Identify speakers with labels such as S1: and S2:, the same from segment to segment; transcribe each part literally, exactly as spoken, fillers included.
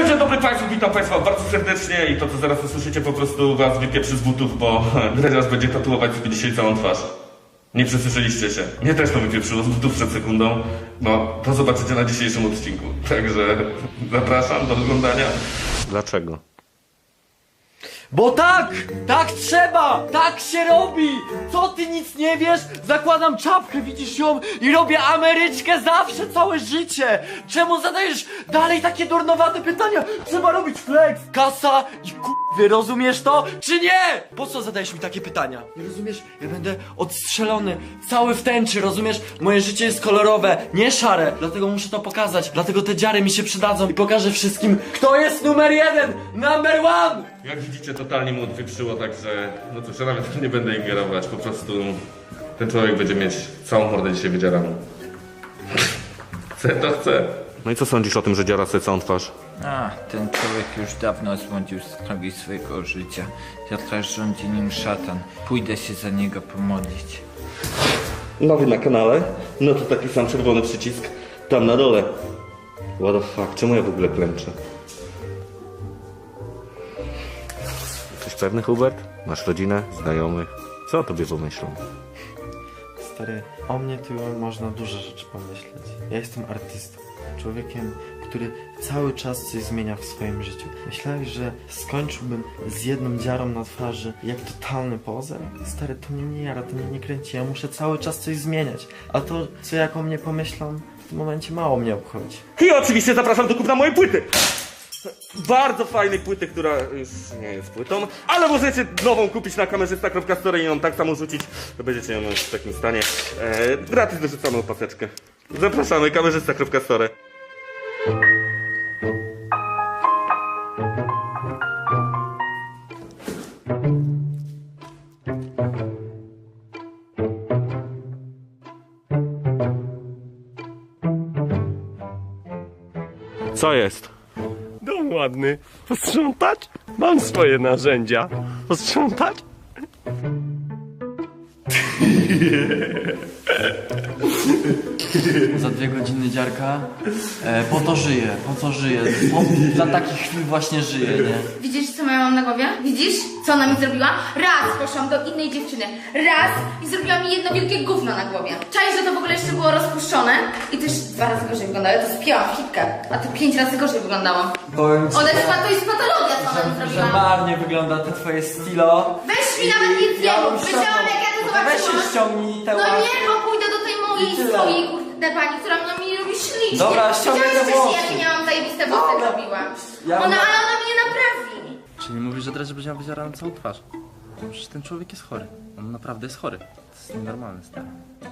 S1: dzień dobry Państwu, witam Państwa bardzo serdecznie i to co zaraz usłyszycie po prostu Was wypieprzy z butów, bo Dredziarz będzie tatuować sobie dzisiaj całą twarz. Nie przesłyszeliście się. Mnie też to wypieprzyło z butów przed sekundą. No, to zobaczycie na dzisiejszym odcinku. Także zapraszam do oglądania. Dlaczego?
S2: Bo tak! Tak trzeba! Tak się robi! Co ty nic nie wiesz? Zakładam czapkę, widzisz ją? I robię Ameryczkę zawsze, całe życie! Czemu zadajesz dalej takie durnowate pytania? Trzeba robić flex, kasa i k***wy, rozumiesz to? Czy nie? Po co zadajesz mi takie pytania? Nie rozumiesz? Ja będę odstrzelony, cały w tęczy, rozumiesz? Moje życie jest kolorowe, nie szare, dlatego muszę to pokazać. Dlatego te dziary mi się przydadzą i pokażę wszystkim, kto jest numer jeden! Number one!
S1: Jak widzicie, totalnie mu odwieprzyło, także no cóż, ja nawet nie będę ingerować, po prostu ten człowiek będzie mieć całą mordę dzisiaj wydzieraną. Chce to chce. No i co sądzisz o tym, że dziara sobie całą twarz?
S3: A, ten człowiek już dawno zbłądził z drogi swojego życia. Ja teraz rządzi nim szatan. Pójdę się za niego pomodlić.
S1: Nowy na kanale, no to taki sam czerwony przycisk tam na dole. What the fuck, czemu ja w ogóle klęczę? Jesteś pewny, Hubert? Masz rodzinę, znajomych? Co o tobie pomyślą?
S2: Stary, o mnie tu można dużo rzeczy pomyśleć. Ja jestem artystą, człowiekiem, który cały czas coś zmienia w swoim życiu. Myślałeś, że skończyłbym z jedną dziarą na twarzy jak totalny pozer? Stary, to mnie nie jara, to mnie nie kręci, ja muszę cały czas coś zmieniać. A to, co jak o mnie pomyślą, w tym momencie mało mnie obchodzi.
S1: I oczywiście zapraszam do kupna mojej płyty! Bardzo fajnej płyty, która już nie jest płytą, ale możecie nową kupić na kamerzysta kropka store i ją tak samo rzucić, to będziecie ją mieć w takim stanie. Eee, gratis dorzucaną paseczkę. Zapraszamy, kamerzysta kropka store. Co jest?
S4: Dom ładny. Posprzątać? Mam swoje narzędzia. Posprzątać?
S2: Za dwie godziny dziarka, e, po to żyję, po co żyję, po, dla takich chwil właśnie żyję, nie?
S5: Widzisz, co ja mam na głowie? Widzisz, co ona mi zrobiła? Raz poszłam do innej dziewczyny, raz i zrobiła mi jedno wielkie gówno na głowie. Czaj, że to w ogóle jeszcze było rozpuszczone i też dwa razy gorzej wyglądało. Ja to spięłam w hitkę, a to pięć razy gorzej wyglądało.
S2: Powiem ci,
S5: Ona jest, to jest patologia, co ona mi
S2: że
S5: zrobiła.
S2: marnie wygląda te twoje stilo.
S5: Weź mi nawet nic nie mów, wiedziałam jak ja to
S2: Weź
S5: zobaczyłam.
S2: się ściągnij te
S5: No
S2: łapy.
S5: nie, bo pójdę do tej mojej
S2: I tyle.
S5: swojej kurde pani, która mnie mi robi ślicznie.
S2: Dobra, ściągaj te
S5: Widziałeś
S2: włosy.
S5: wcześniej, jakie miałam zajebiste włosy
S2: Dobra.
S5: robiła.
S2: Ja
S5: Ona,
S2: mam-
S5: ale ona mnie naprawi.
S6: Czyli mówisz, że Dredge będzie miał wydzieraną całą twarz. Przecież ten człowiek jest chory. On naprawdę jest chory. To jest nienormalne, stary.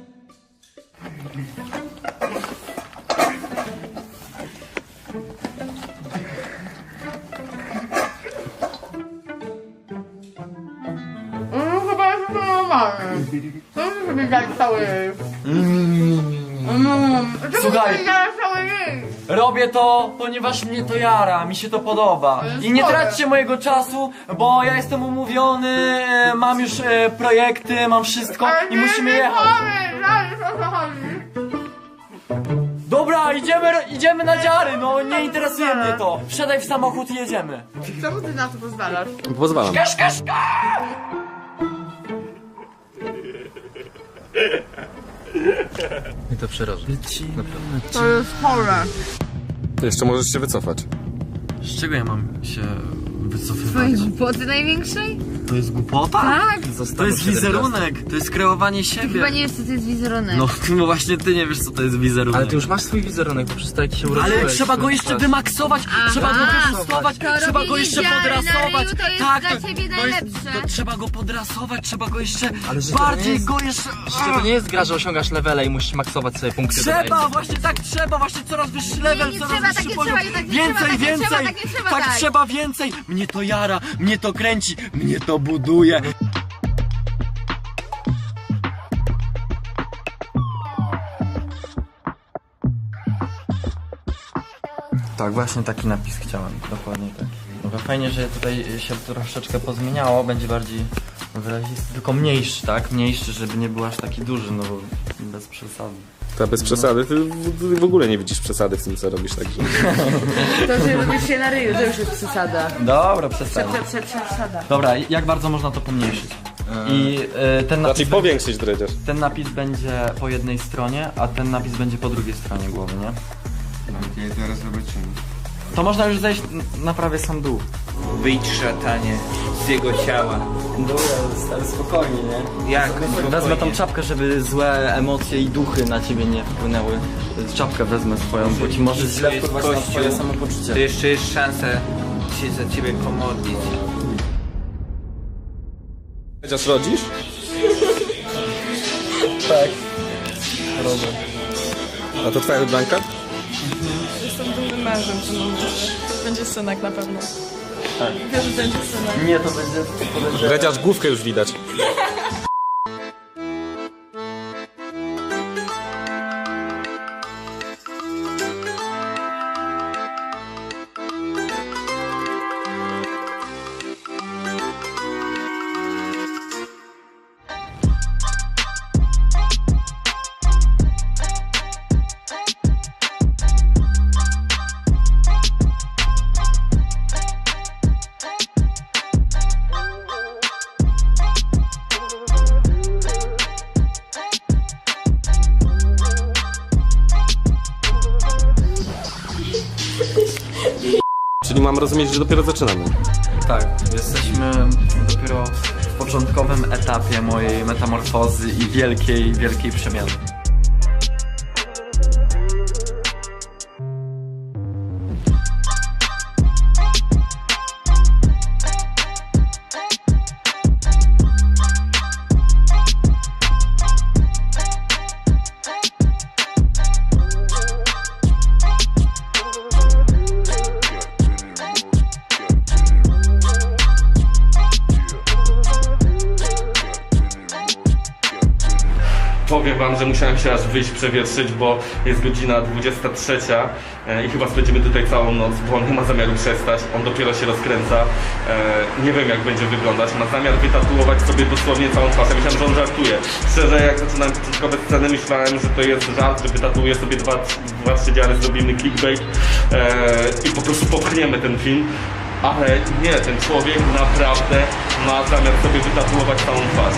S5: No chyba jest to normalne. To musi być tak cały jej.
S2: Słuchaj,
S5: cały jej.
S2: robię to, ponieważ mnie to jara, mi się to podoba. I nie traćcie mojego czasu, bo ja jestem umówiony, e, mam już e, projekty, mam wszystko i musimy jechać. Dobra, idziemy, idziemy na dziary, no nie interesuje mnie to. Wsiadaj w samochód i jedziemy.
S5: Czemu ty na to pozwalasz?
S6: Pozwalam. I to przeraża.
S5: To jest chore.
S4: Jeszcze możesz się wycofać.
S2: Z czego ja mam się wycofywać?
S5: Twojej głupoty największej?
S2: To jest głupota?
S5: Tak.
S2: To jest wizerunek, to jest kreowanie siebie.
S5: Chyba nie wiesz, co to jest wizerunek.
S2: No, no właśnie ty nie wiesz, co to jest wizerunek.
S6: Ale ty już masz swój wizerunek, bo przez to jak się urodziłeś.
S2: Ale trzeba go jeszcze wymaksować, trzeba go
S5: Aha.
S2: wyjustować,
S5: To
S2: trzeba go
S5: robienie
S2: jeszcze
S5: dziary na
S2: podrasować.
S5: ryju to jest
S2: Tak,
S5: dla
S2: to,
S5: ciebie
S2: to jest,
S5: najlepsze.
S2: to trzeba go podrasować, trzeba go jeszcze
S6: Ale że to nie
S2: bardziej
S6: jest-
S2: go jeszcze...
S6: Przecież to nie jest gra, że osiągasz levele i musisz maksować sobie punkty.
S2: Trzeba, właśnie tak trzeba, właśnie coraz wyższy level,
S5: nie
S2: coraz
S5: trzeba,
S2: wyższy
S5: tak nie
S2: poziom.
S5: trzeba, tak nie
S2: Więcej,
S5: trzeba, tak nie
S2: więcej,
S5: trzeba, tak nie trzeba,
S2: tak
S5: tak.
S2: trzeba więcej. Mnie to jara, mnie to kręci, mnie to buduje. Tak, właśnie taki napis chciałem, dokładnie tak. No fajnie, że tutaj się troszeczkę pozmieniało, będzie bardziej wyrazisty, tylko mniejszy, tak? Mniejszy, żeby nie był aż taki duży, no bo bez przesady.
S4: Ta bez przesady, ty w- w ogóle nie widzisz przesady w tym, co robisz, także...
S7: To, że robisz się na ryju, to już jest przesada.
S2: Dobra, przestań.
S7: Prze, prze, prze, przesada.
S2: Dobra, jak bardzo można to pomniejszyć? I y, ten, napis,
S4: Raczej powiększyć dredziarz.
S2: ten napis będzie po jednej stronie, a ten napis będzie po drugiej stronie głowy, nie?
S8: Okej, zaraz zobaczymy.
S2: To można już zejść n- na prawie sam dół.
S3: Wyjdź szatanie z jego ciała.
S2: Dobra, spokojnie, nie?
S3: Jak?
S2: Wezmę tą czapkę, żeby złe emocje i duchy na ciebie nie wpłynęły. Czapkę wezmę swoją, bo ci może źle
S3: jest
S2: wpływać na
S3: kościół.
S2: twoje
S3: To
S2: samopoczucie.
S3: jeszcze jest szansa się za ciebie pomodlić.
S4: Dredziarz rodzisz?
S2: Tak. Robię.
S4: A to twoja wybranka?
S7: Jestem dumnym mężem, to będzie synek na pewno. Tak. Wiesz, że będzie synek.
S2: Nie, to będzie... To będzie...
S4: Dredziarz główkę już widać. Czyli mam rozumieć, że dopiero zaczynamy.
S2: Tak, jesteśmy dopiero w początkowym etapie mojej metamorfozy i wielkiej, wielkiej przemiany.
S1: Powiem wam, że musiałem się aż wyjść przewietrzyć, bo jest godzina dwudziesta trzecia e, i chyba spędzimy tutaj całą noc, bo on nie ma zamiaru przestać, on dopiero się rozkręca. E, nie wiem jak będzie wyglądać, ma zamiar wytatuować sobie dosłownie całą twarz. Ja myślałem, że on żartuje. Szczerze, jak zaczynałem początkowe sceny, myślałem, że to jest żart, że wytatuuje sobie dwa, dwa trzy dziary, zrobimy clickbait e, i po prostu popchniemy ten film. Ale nie, ten człowiek naprawdę ma zamiar sobie wytatuować całą twarz.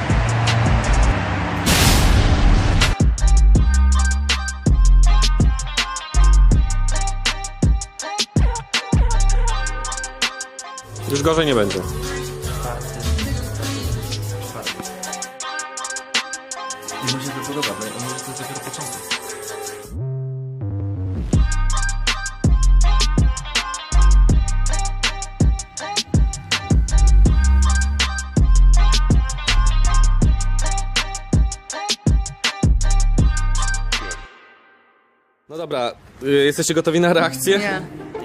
S4: Już gorzej nie będzie.
S2: I mu się to podoba, bo może to jest dopiero początek.
S4: No dobra, y, jesteście gotowi na reakcję?
S7: Nie.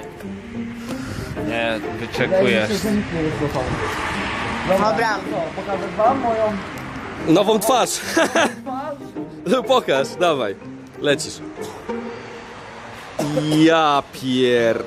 S3: Nie, wyczekujesz.
S7: Dobra.
S2: Pokażę wam moją...
S4: Nową twarz! No pokaż, dawaj. Lecisz. Ja pier...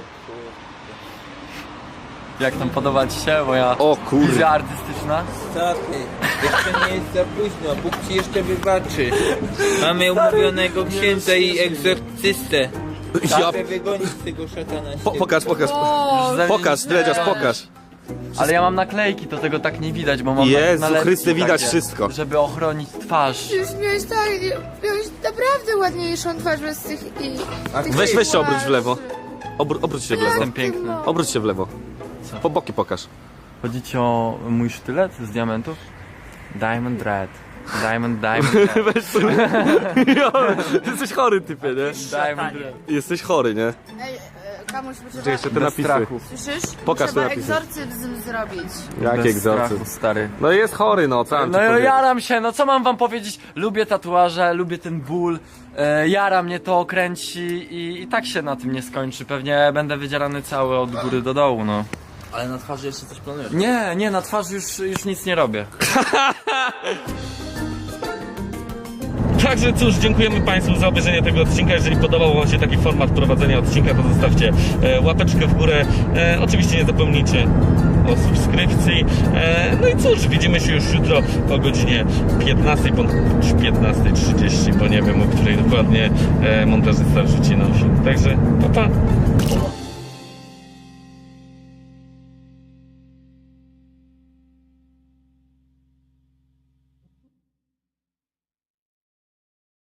S2: Jak tam podoba ci się moja
S4: O kurde.
S2: wizja artystyczna?
S3: Stopy, jeszcze nie jest za późno, Bóg ci jeszcze wybaczy. Mamy umówionego księdza i egzorcystę.
S4: Ja...
S3: Chcę wygonić tego szatana.
S4: Po, pokaż, pokaż. Pokaż, dredziarz, pokaż.
S2: Ale ja mam naklejki, to tego tak nie widać, bo mam
S4: Jezu
S2: nalepki
S4: Chryste, widać
S2: takie,
S4: wszystko.
S2: żeby ochronić twarz.
S7: Już miałeś tak, miałeś naprawdę ładniejszą twarz bez tych i... tych
S4: Weź, weź się obróć w
S7: tatuaży.
S4: lewo. Obró obróć się w lewo.
S2: Jestem piękny.
S4: Obróć się w lewo. Po boki pokaż.
S2: Chodzi ci o mój sztylet z diamentów? Diamond Red. Diamond, Diamond Red.
S4: Weź sobie. Jo, ty jesteś chory, typie, nie?
S2: Diamond Red.
S4: Jesteś chory, nie?
S7: Ej, e, Kamuś,
S4: Czekaj,
S7: poczekaj.
S4: jeszcze te
S2: Bez
S4: napisy.
S2: strachu.
S7: Słyszysz?
S4: Pokaż
S7: Trzeba
S4: te napisy.
S7: egzorcyzm zrobić.
S4: Jaki
S2: Bez
S4: egzorcyzm?
S2: strachu, stary.
S4: No jest chory, no, co mam
S2: No
S4: ci
S2: ja
S4: powiedzieć?
S2: jaram się, no co mam wam powiedzieć? Lubię tatuaże, lubię ten ból, e, jara mnie to, kręci i, i tak się na tym nie skończy. Pewnie będę wydzierany cały od góry do dołu, no.
S6: Ale na twarzy jeszcze coś planujesz?
S2: Nie, nie, na twarzy już, już nic nie robię.
S1: Także cóż, dziękujemy Państwu za obejrzenie tego odcinka. Jeżeli podobał Wam się taki format prowadzenia odcinka, to zostawcie e, łapeczkę w górę. E, oczywiście nie zapomnijcie o subskrypcji. E, no i cóż, widzimy się już jutro o godzinie piętnastej bądź piętnastej trzydzieści, bo nie wiem, o której dokładnie e, montażysta wrzuci nam film. Także pa, pa.